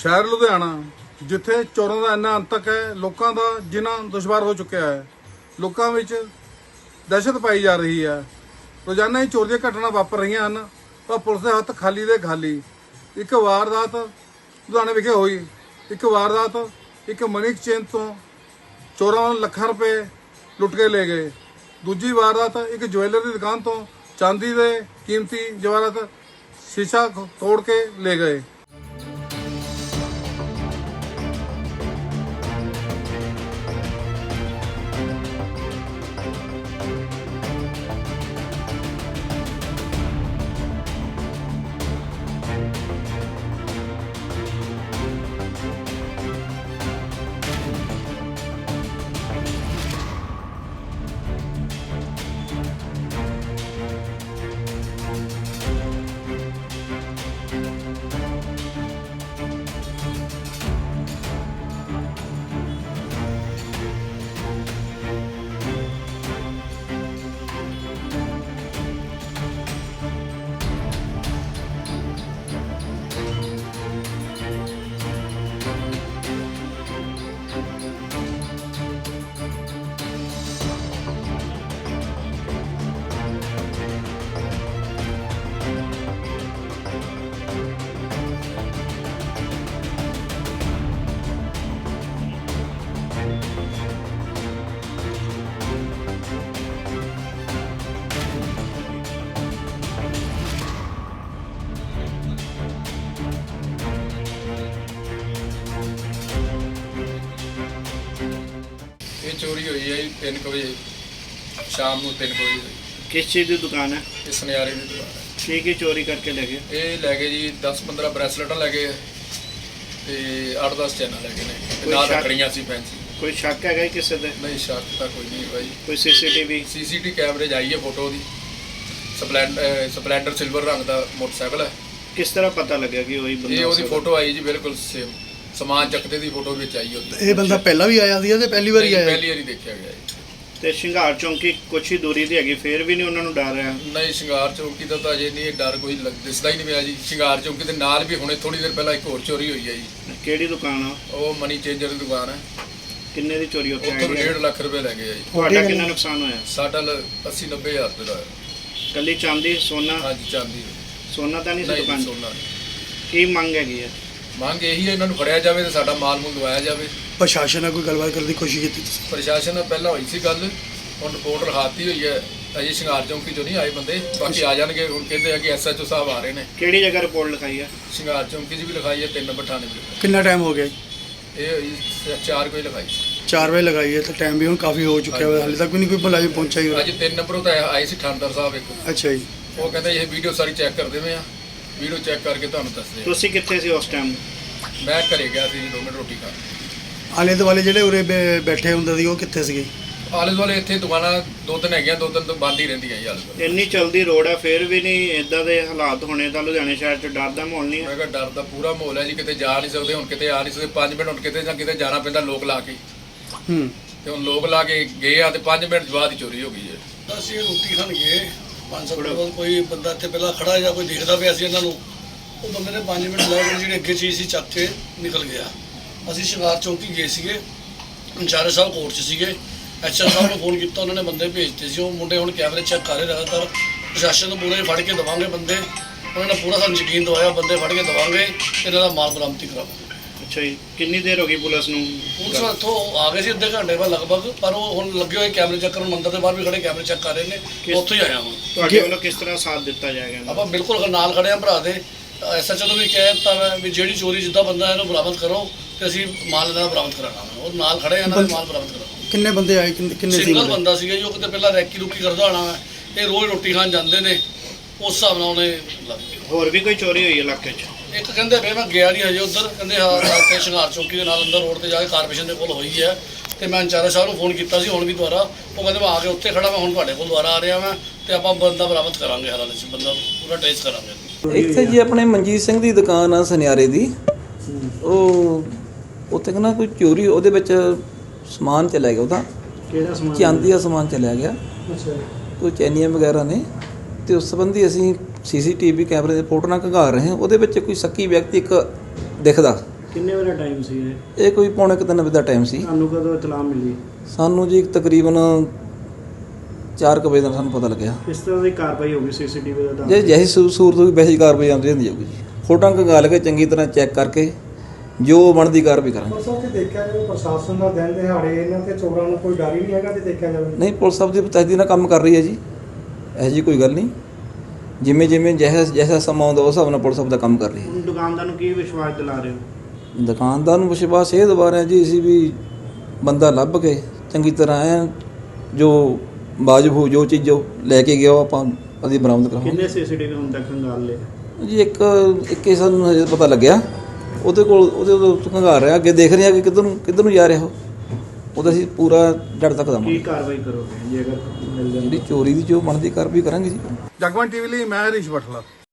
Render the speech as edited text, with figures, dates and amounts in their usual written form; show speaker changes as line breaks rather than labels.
ਸ਼ਹਿਰ ਲੁਧਿਆਣਾ ਜਿੱਥੇ ਚੋਰਾਂ ਦਾ ਇੰਨਾ ਅੰਤਕ ਹੈ, ਲੋਕਾਂ ਦਾ ਜਿਨ੍ਹਾਂ ਦੁਸ਼ਵਾਰ ਹੋ ਚੁੱਕਿਆ ਹੈ, ਲੋਕਾਂ ਵਿੱਚ ਦਹਿਸ਼ਤ ਪਾਈ ਜਾ ਰਹੀ ਹੈ। ਰੋਜ਼ਾਨਾ ਹੀ ਚੋਰੀ ਦੀਆਂ ਘਟਨਾ ਵਾਪਰ ਰਹੀਆਂ ਹਨ, ਪਰ ਪੁਲਿਸ ਦੇ ਹੱਥ ਖਾਲੀ ਦੇ ਖਾਲੀ। ਇੱਕ ਵਾਰਦਾਤ ਲੁਧਿਆਣੇ ਵਿਖੇ ਹੋਈ। ਇੱਕ ਮਨੀ ਐਕਸਚੇਂਜ ਤੋਂ ਚੋਰਾਂ ਵੱਲੋਂ ਲੱਖਾਂ ਰੁਪਏ ਲੁੱਟ ਕੇ ਲੈ ਗਏ। ਦੂਜੀ ਵਾਰਦਾਤ ਇੱਕ ਜਵੈਲਰ ਦੀ ਦੁਕਾਨ ਤੋਂ ਚਾਂਦੀ ਦੇ ਕੀਮਤੀ ਜਵਾਹਰਾਤ ਸ਼ੀਸ਼ਾ ਤੋੜ ਕੇ ਲੈ ਗਏ।
ਇਹ ਚੋਰੀ ਹੋਈ ਹੈ ਜੀ 3 ਵਜੇ ਸ਼ਾਮ ਨੂੰ 3 ਵਜੇ ਹੋਈ।
किस चीज़ की दुकान है?
ਇਹ ਸੁਨਿਆਰੇ ਦੀ ਦੁਕਾਨ ਹੈ।
की चोरी करके ले गए?
ਇਹ ਲੈ ਗਏ ਜੀ 10-15 ਬ੍ਰੈਸਲੇਟਾਂ ਲੈ ਗਏ ਤੇ 8-10 ਚੈਨਾਂ ਲੈ ਗਏ ਨੇ ਤੇ
ਕੋਈ
ਨਾਲ
ਸ਼ੱਕ?
ਰੱਖੜੀਆਂ ਸੀ ਫੈਂਸੀ।
कोई शक है किसी दे?
ਨਹੀਂ ਸ਼ੱਕ ਤਾਂ ਕੋਈ ਨਹੀਂ ਭਾਈ।
कोई CCTV?
ਸੀਸੀਟੀ ਕੈਮਰੇ 'ਚ ਆਈ ਹੈ ਫੋਟੋ ਦੀ। ਸਪਲੈਂਡਰ ਸਿਲਵਰ ਰੰਗ ਦਾ ਮੋਟਰਸਾਈਕਲ ਹੈ।
किस तरह पता लगा कि वही बंदा?
ਇਹ ਉਹਦੀ ਫੋਟੋ ਆਈ ਜੀ ਬਿਲਕੁਲ ਸੇਮ ਸਮਾਨ ਚੱਕਦੇ ਦੀ ਫੋਟੋ ਵਿੱਚ ਆਈ ਉਹਦੀ।
ਇਹ ਬੰਦਾ ਪਹਿਲਾਂ ਵੀ ਆਇਆ ਸੀ ਤੇ ਪਹਿਲੀ ਵਾਰੀ ਆਇਆ?
ਪਹਿਲੀ ਵਾਰੀ ਦੇਖਿਆ ਗਿਆ ਜੀ।
ਤੇ ਸ਼ਿੰਗਾਰ ਚੌਂਕੀ ਕੁਛ ਹੀ ਦੂਰੀ ਤੇ ਹੈਗੀ, ਫੇਰ ਵੀ ਨਹੀਂ ਉਹਨਾਂ ਨੂੰ ਡਰ ਰਿਹਾ?
ਨਹੀਂ ਸ਼ਿੰਗਾਰ ਚੌਂਕੀ ਦਾ ਤਾਂ ਅਜੇ ਨਹੀਂ ਇਹ ਡਰ ਕੋਈ ਦਿਸਦਾ ਹੀ ਨਹੀਂ ਪਿਆ ਜੀ। ਸ਼ਿੰਗਾਰ ਚੌਂਕੀ ਦੇ ਨਾਲ ਵੀ ਹੁਣੇ ਥੋੜੀ ਦੇਰ ਪਹਿਲਾਂ ਇੱਕ ਹੋਰ ਚੋਰੀ ਹੋਈ ਹੈ ਜੀ।
ਕਿਹੜੀ ਦੁਕਾਨ ਆ?
ਉਹ ਮਨੀ ਚੇਂਜਰ ਦੀ ਦੁਕਾਨ ਹੈ।
ਕਿੰਨੇ ਦੀ ਚੋਰੀ ਉੱਥੇ
ਉੱਥੋਂ
ਆਈ?
1.5 ਲੱਖ ਰੁਪਏ ਲੈ ਗਏ ਆ ਜੀ।
ਤੁਹਾਡਾ ਕਿੰਨਾ ਨੁਕਸਾਨ ਹੋਇਆ?
ਸਾਡਾ 80-90 ਹਜ਼ਾਰ ਰੁਪਏ ਦਾ ਹੋਇਆ।
ਕੱਲੀ ਚਾਂਦੀ ਸੋਨਾ?
ਹਾਂਜੀ ਚਾਂਦੀ
ਸੋਨਾ ਤਾਂ ਨਹੀਂ ਸੀ
ਨਹੀਂ
ਦੁਕਾਨ?
ਸੋਨਾ ਨਹੀਂ।
ਕੀ ਮੰਗ ਹੈਗੀ ਹੈ?
ਮੰਗ ਇਹੀ ਹੈ ਇਹਨਾਂ ਨੂੰ ਫੜਿਆ ਜਾਵੇ ਤੇ ਸਾਡਾ ਮਾਲ ਮੂਲ ਦਵਾਇਆ ਜਾਵੇ।
ਪ੍ਰਸ਼ਾਸਨ ਨਾਲ ਕੋਈ ਗੱਲਬਾਤ ਕਰਨ ਦੀ ਕੋਸ਼ਿਸ਼ ਕੀਤੀ ਤੁਸੀਂ?
ਪ੍ਰਸ਼ਾਸਨ ਨਾਲ ਪਹਿਲਾਂ ਹੋਈ ਸੀ ਗੱਲ, ਹੁਣ ਰਿਪੋਰਟ ਲਿਖਾਤੀ ਹੋਈ ਹੈ। ਅਜੇ ਸ਼ਿੰਗਾਰ ਚੌਂਕੀ ਚੋਂ ਨਹੀਂ ਆਏ ਬੰਦੇ, ਬਾਕੀ ਆ ਜਾਣਗੇ। ਹੁਣ ਕਹਿੰਦੇ ਆ ਕਿ SHO ਸਾਹਿਬ ਆ ਰਹੇ ਨੇ।
ਕਿਹੜੀ ਜਗ੍ਹਾ ਰਿਪੋਰਟ ਲਿਖਾਈ ਹੈ?
ਸ਼ਿੰਗਾਰ ਚੌਂਕੀ 'ਚ ਵੀ ਲਿਖਾਈ ਹੈ, 3 ਨੰਬਰ ਥਾਣੇ ਵੀ ਲਿਖਾਈ।
ਕਿੰਨਾ ਟਾਈਮ ਹੋ ਗਿਆ ਜੀ?
ਇਹ ਹੋਈ 4 ਕੋਈ ਲਿਖਾਈ।
4 ਵਜੇ ਲਗਾਈ ਹੈ ਤਾਂ ਟਾਈਮ ਵੀ ਹੁਣ ਕਾਫੀ ਹੋ ਚੁੱਕਿਆ ਹੈ, ਹਾਲੇ ਤੱਕ ਵੀ ਨਹੀਂ ਕੋਈ ਮੁਲਾਜ਼ਮ ਪਹੁੰਚਿਆ ਹੀ।
ਅੱਜ 3 ਨੰਬਰੋਂ ਤਾਂ ਆਏ ਸੀ ਥਾਣੇਦਾਰ ਸਾਹਿਬ ਇੱਕ।
ਅੱਛਾ ਜੀ।
ਉਹ ਕਹਿੰਦੇ ਇਹ ਵੀਡੀਓ ਸਾਰੀ ਚੈੱਕ ਕਰਦੇ ਪਏ ਆ, ਵੀਡੀਓ ਚੈੱਕ ਕਰਕੇ ਤੁਹਾਨੂੰ ਦੱਸਦੇ ਆ।
ਤੁਸੀਂ ਕਿੱਥੇ ਸੀ ਉਸ ਟਾਈਮ?
ਮੈਂ ਘਰੇ ਗਿਆ ਸੀ 2 ਮਿੰਟ ਰੋਟੀ ਖਾਣ।
ਆਲੇ ਦੁਆਲੇ ਜਿਹੜੇ ਉਰੇ ਬੈਠੇ ਹੁੰਦੇ ਸੀ ਉਹ ਕਿੱਥੇ ਸੀਗੇ?
ਆਲੇ ਦੁਆਲੇ ਇੱਥੇ ਦੁਕਾਨਾਂ 2-3 ਹੈਗੀਆਂ, 2-3 ਤੋਂ ਬੰਦ ਹੀ ਰਹਿੰਦੀਆਂ ਜੀ ਆਲੇ ਦੁਆਲੇ।
ਇੰਨੀ ਚਲਦੀ ਰੋਡ ਹੈ ਫੇਰ ਵੀ ਨਹੀਂ ਇਦਾਂ ਦੇ ਹਾਲਾਤ ਹੋਣੇ ਤਾਂ ਲੁਧਿਆਣੇ ਸ਼ਹਿਰ 'ਚ ਡਰ ਦਾ ਮਾਹੌਲ ਨਹੀਂ ਹੈ?
ਮੈਂ ਕਿਹਾ ਡਰ ਦਾ ਪੂਰਾ ਮਾਹੌਲ ਹੈ ਜੀ। ਕਿਤੇ ਜਾ ਨਹੀਂ ਸਕਦੇ, ਹੁਣ ਕਿਤੇ ਆ ਨਹੀਂ ਸਕਦੇ। 5 ਮਿੰਟ ਹੁਣ ਕਿਤੇ ਜਾਂ ਕਿਤੇ ਜਾਣਾ ਪੈਂਦਾ ਲੋਕ ਲਾ ਕੇ। ਤੇ ਹੁਣ ਲੋਕ ਲਾ ਕੇ ਗਏ ਆ ਤੇ 5 ਮਿੰਟ ਬਾਅਦ ਹੀ ਚੋਰੀ ਹੋ ਗਈ ਹੈ।
ਅਸੀਂ ਰੋਟੀ ਖਾਣ ਗਏ 500 ਮਿੰਟ ਬਾਅਦ ਕੋਈ ਬੰਦਾ ਇੱਥੇ ਪਹਿਲਾਂ ਖੜਾ ਜਾਂ ਕੋਈ ਦੇਖਦਾ ਪਿਆ ਸੀ ਇਹਨਾਂ ਨੂੰ। ਉਹ ਬੰਦੇ ਨੇ 5 ਮਿੰਟ ਲਾ ਕੇ ਜਿਹੜੀ ਅੱਗੇ ਚੀਜ਼ ਸੀ ਚੱਕ ਕੇ ਨਿਕਲ ਗਿਆ। ਅਸੀਂ ਸ਼ਿੰਗਾਰ ਚੌਂਕੀ ਗਏ ਸੀਗੇ, ਅੰਚਾਰੇ ਸਾਹਿਬ ਕੋਰਟ 'ਚ ਸੀਗੇ। SHO ਸਾਹਿਬ ਨੂੰ ਫੋਨ ਕੀਤਾ, ਉਹਨਾਂ ਨੇ ਬੰਦੇ ਭੇਜਤੇ ਸੀ। ਉਹ ਮੁੰਡੇ ਹੁਣ ਕੈਮਰੇ ਚੈੱਕ ਕਰ ਰਹੇ ਲਗਾਤਾਰ। ਪ੍ਰਸ਼ਾਸਨ ਨੂੰ ਪੂਰੇ ਫੜ ਕੇ ਦੇਵਾਂਗੇ ਬੰਦੇ। ਉਹਨਾਂ ਨੇ ਪੂਰਾ ਸਾਨੂੰ ਯਕੀਨ ਦਵਾਇਆ ਬੰਦੇ ਫੜ ਕੇ ਦੇਵਾਂਗੇ, ਇਹਨਾਂ ਦਾ ਮਾਲ ਬਰਾਮਦੀ ਕਰਾਵਾਂਗੇ।
ਅੱਛਾ ਜੀ, ਕਿੰਨੀ ਦੇਰ ਹੋ ਗਈ ਪੁਲਿਸ ਨੂੰ?
ਪੁਲਿਸ ਇੱਥੋਂ ਆ ਗਏ ਸੀ ਅੱਧੇ ਘੰਟੇ ਬਾਅਦ ਲਗਭਗ, ਪਰ ਉਹ ਹੁਣ ਲੱਗੇ ਹੋਏ ਕੈਮਰੇ ਚੈੱਕ ਕਰਨ। ਮੰਦਰ ਦੇ ਬਾਹਰ ਵੀ ਖੜੇ ਕੈਮਰੇ ਚੈੱਕ ਕਰ ਰਹੇ ਨੇ। ਉੱਥੋਂ ਹੀ ਆਇਆ ਹੁਣ।
ਤੁਹਾਡੇ ਵੱਲੋਂ ਕਿਸ ਤਰ੍ਹਾਂ ਸਾਥ ਦਿੱਤਾ ਜਾਏਗਾ?
ਆਪਾਂ ਬਿਲਕੁਲ ਨਾਲ ਖੜੇ ਆ ਭਰਾ ਦੇ। SHO ਨੂੰ ਵੀ ਕਹਿ ਦਿੱਤਾ ਮੈਂ ਵੀ ਜਿਹੜੀ ਚੋਰੀ ਜਿੱਦਾਂ ਬੰਦਾ ਇਹਨੂੰ ਬਰਾਮਦ ਕਰੋ ਤੇ ਅਸੀਂ ਮਾਲ ਇਹਨਾਂ ਦਾ ਬਰਾਮਦ ਕਰਾਣਾ। ਉਹ ਨਾਲ ਖੜੇ ਆ, ਇਹਨਾਂ ਦੇ ਮਾਲ ਬਰਾਮਦ ਕਰਾਓ।
ਕਿੰਨੇ ਬੰਦੇ ਆਏ, ਕਿੰਨੇ ਸੀ?
ਸਿੰਗਲ ਬੰਦਾ ਸੀਗਾ ਜੀ, ਉਹ ਕਿਤੇ ਪਹਿਲਾਂ ਰੈਕੀ ਰੁਕੀ ਕਰਦਾ ਹੋਣਾ ਵਾ। ਇਹ ਰੋਜ਼ ਰੋਟੀ ਖਾਣ ਜਾਂਦੇ ਨੇ, ਉਸ ਹਿਸਾਬ ਨਾਲ ਉਹਨੇ ਲੱਗ ਗਿਆ।
ਹੋਰ ਵੀ ਕੋਈ ਚੋਰੀ ਹੋਈ ਇਲਾਕੇ 'ਚ?
ਇੱਕ ਕਹਿੰਦੇ ਵੇ ਮੈਂ ਗਿਆ ਨਹੀਂ ਹਜੇ ਉੱਧਰ, ਕਹਿੰਦੇ ਹਾਂ ਇੱਥੇ ਸ਼ਿੰਗਾਰ ਚੌਂਕੀ ਦੇ ਨਾਲ ਅੰਦਰ ਰੋਡ ਤੇ ਜਾ ਕੇ ਕਾਰਪੋਰੇਸ਼ਨ ਦੇ ਕੋਲ ਹੋਈ ਹੈ। ਤੇ ਮੈਂ ਅੰਚਾਰਾ ਸਾਹਿਬ ਨੂੰ ਫੋਨ ਕੀਤਾ ਸੀ ਹੁਣ ਵੀ ਦੁਬਾਰਾ। ਉਹ ਕਹਿੰਦੇ ਮੈਂ ਆ ਕੇ ਉੱਥੇ ਖੜਾ, ਮੈਂ ਹੁਣ ਤੁਹਾਡੇ ਕੋਲ ਦੁਬਾਰਾ ਆ ਰਿਹਾ ਮੈਂ ਤੇ ਆਪਾਂ ਬੰਦਾ ਬਰਾਮਦ ਕਰਾਂਗੇ। ਹਰ ਹਾਲੇ 'ਚ ਬੰਦਾ ਪੂਰਾ ਟ੍ਰੇਸ ਕਰਾਂਗੇ।
ਇੱਥੇ ਜੀ ਆਪਣੇ ਮਨਜੀਤ ਸਿੰਘ ਦੀ ਦੁਕਾਨ ਆ ਸੁਨਿਆਰੇ ਦੀ। ਉਹ ਉੱਥੇ ਕਹਿੰਦਾ ਕੋਈ ਚੋਰੀ, ਉਹਦੇ ਵਿੱਚ ਸਮਾਨ ਚਲਾ ਗਿਆ ਉਹਦਾ।
ਕਿਹੜਾ ਸਮਾਨ?
ਚਾਂਦੀ ਦਾ ਸਮਾਨ ਚਲਿਆ ਗਿਆ,
ਅੱਛਾ।
ਕੋਈ ਚੈਨੀਆਂ ਵਗੈਰਾ ਨੇ। ਤੇ ਉਸ ਸੰਬੰਧੀ ਅਸੀਂ CCTV ਕੈਮਰੇ ਦੇ ਫੋਟੋ ਨਾਲ ਖੰਗਾਲ ਰਹੇ ਹਾਂ। ਉਹਦੇ ਵਿੱਚ ਕੋਈ ਸ਼ੱਕੀ ਵਿਅਕਤੀ ਇੱਕ ਦਿਖਦਾ,
ਕਿੰਨੇ ਵੇਲੇ ਟਾਈਮ ਸੀ ਇਹ
ਇਹ ਕੋਈ ਪੌਣੇ 3 ਵਜੇ ਦਾ ਟਾਈਮ ਸੀ।
ਤੁਹਾਨੂੰ ਕਦੋਂ ਇਤਲਾਹ ਮਿਲੀ?
ਸਾਨੂੰ ਜੀ ਤਕਰੀਬਨ 4 ਵਜੇ ਦਾ ਸਾਨੂੰ ਪਤਾ ਲੱਗਿਆ।
ਕਿਸ ਤਰ੍ਹਾਂ ਦੀ ਕਾਰਵਾਈ ਹੋਗੀ ਸੀਸੀਟੀਵੀ ਦਾ?
ਜੇ ਜੈਸੀ ਸੂਰਤ ਹੋਈ ਵੈਸੀ ਕਾਰਵਾਈ ਆਉਂਦੀ ਹੁੰਦੀ ਜਾਊਗੀ ਜੀ। ਫੋਟੋਆਂ ਖੰਗਾਲ ਕੇ ਚੰਗੀ ਤਰ੍ਹਾਂ ਚੈੱਕ ਕਰਕੇ ਜੋ ਬਣਦੀ ਕਾਰਵਾਈ ਕਰਾਂਗੇ।
ਸਭ ਤੇ ਦੇਖਿਆ ਜਾਵੇ ਪ੍ਰਸ਼ਾਸਨ ਦਾ ਦਿਨ ਦਿਹਾੜੇ ਇਹਨਾਂ ਤੇ ਚੋਰਾਂ ਨੂੰ ਕੋਈ ਡਰ ਹੀ ਨਹੀਂ ਹੈਗਾ ਤੇ ਦੇਖਿਆ ਜਾਵੇ।
ਨਹੀਂ, ਪੁਲਿਸ ਸਾਹਿਬ ਦੀ ਤਹਿਦੀਦ ਨਾਲ ਕੰਮ ਕਰ ਰਹੀ ਹੈ ਜੀ, ਇਹੋ ਜਿਹੀ ਕੋਈ ਗੱਲ ਨਹੀਂ। ਜਿਵੇਂ ਜਿਵੇਂ ਜੈਸਾ ਸਮਾਂ ਆਉਂਦਾ ਉਸ ਹਿਸਾਬ ਨਾਲ ਪੁਲਿਸ ਸਾਹਿਬ ਦਾ ਕੰਮ ਕਰ ਰਹੀ ਹੈ।
ਹੁਣ ਦੁਕਾਨਦਾਰ ਨੂੰ ਕੀ ਵਿਸ਼ਵਾਸ ਦਿਲਾ ਰਹੇ ਹੋ?
ਦੁਕਾਨਦਾਰ ਨੂੰ ਵਿਸ਼ਵਾਸ ਇਹ ਦਿਵਾ ਰਹੇ ਜੀ ਅਸੀਂ ਵੀ ਬੰਦਾ ਲੱਭ ਕੇ ਚੰਗੀ ਤਰ੍ਹਾਂ ਐ ਜੋ ਵਾਜਬ ਹੋ ਜੋ ਚੀਜ਼ ਜੋ ਲੈ ਕੇ ਗਿਆ ਉਹ ਆਪਾਂ ਅਸੀਂ ਬਰਾਮਦ ਕਰਾਂਗੇ।
ਕਿੰਨੇ ਸੀਸੀਟੀਵੀ ਹੁਣ ਤੱਕ ਖੰਗਾਲ ਲਏ?
ਜੀ ਇੱਕ ਹੀ ਸਾਨੂੰ ਹਜੇ ਪਤਾ ਲੱਗਿਆ, ਉਹਦੇ ਕੋਲ ਉਹਦੇ ਖੰਗਾਰ ਰਿਹਾ, ਅੱਗੇ ਦੇਖ ਰਹੇ ਆ ਕਿ ਕਿੱਧਰ ਨੂੰ ਜਾ ਰਿਹਾ ਉਹਦਾ ਅਸੀਂ ਪੂਰਾ ਜੜ ਤੱਕ
ਕੀ
ਦਵਾਂਗੇ।
ਕਾਰਵਾਈ ਕਰੋਗੇ ਜੇ ਅਗਰ ਮਿਲ ਜਾਂਦੀ?
ਜਿਹੜੀ ਚੋਰੀ ਦੀ ਜੋ ਬਣਦੀ ਕਾਰਵਾਈ ਕਰਾਂਗੇ ਜੀ।
ਜਗਬਾਣੀ ਟੀਵੀ ਲਈ ਮੈਂ ਹਰੀਸ਼ ਬਠਲਾ।